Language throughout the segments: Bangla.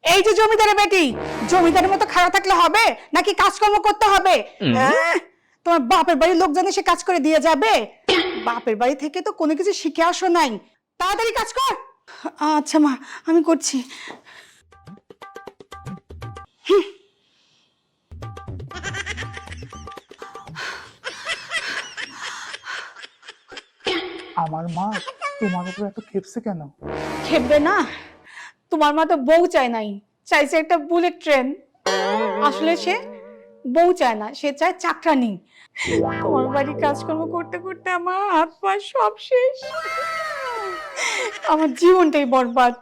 এই যে জমিদারের বেটি, জমিদারের মতো খারাপ থাকলে হবে নাকি কাজকর্ম করতে হবে? তোমার বাপের বাড়ির লোক জানে সে কাজ করে দিয়ে যাবে? বাপের বাড়ি থেকে তো কোনো কিছু শিখে আসো নাই, তাড়াতাড়ি কাজ কর। আচ্ছা মা, আমি করছি। আমার মা তোমার উপর এত খেপছে কেন? খেপবে না? তোমার মা তো বউ চায় নাই, চাইছে একটা বুলেট ট্রেন। আসলে সে বউ চায় না, সে চায় চাকরানি। তোমার বাড়ি কাজকর্ম করতে করতে আমার হাত পা সব শেষ, আমার জীবনটাই বরবাদ।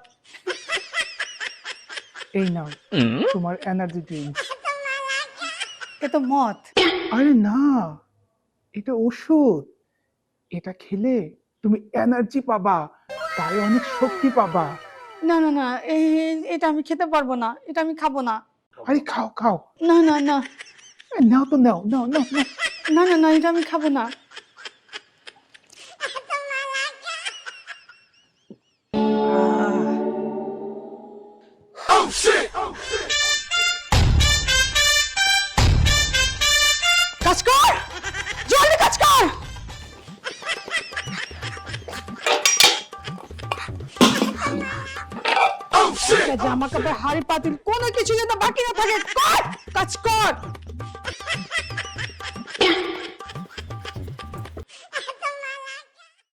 এই নাও তোমার এনার্জি ড্রিঙ্কস। এ তো মদ। আরে না, এটা ওষুধ। এটা খেলে তুমি এনার্জি পাবা, গায়ে অনেক শক্তি পাবা। না না না, এটা আমি খেতে পারবো না, এটা আমি খাবো না। আরে খাও খাও। না না না নাও তো নাও নাও নাও নাও। না না না, এটা আমি খাবো না। কাজ কর, জলদি কাজ কর। জামা কাপড় হাড়ি পাতিল কোনো কিছু যেন বাকি না থাকে, কর কাজ কর।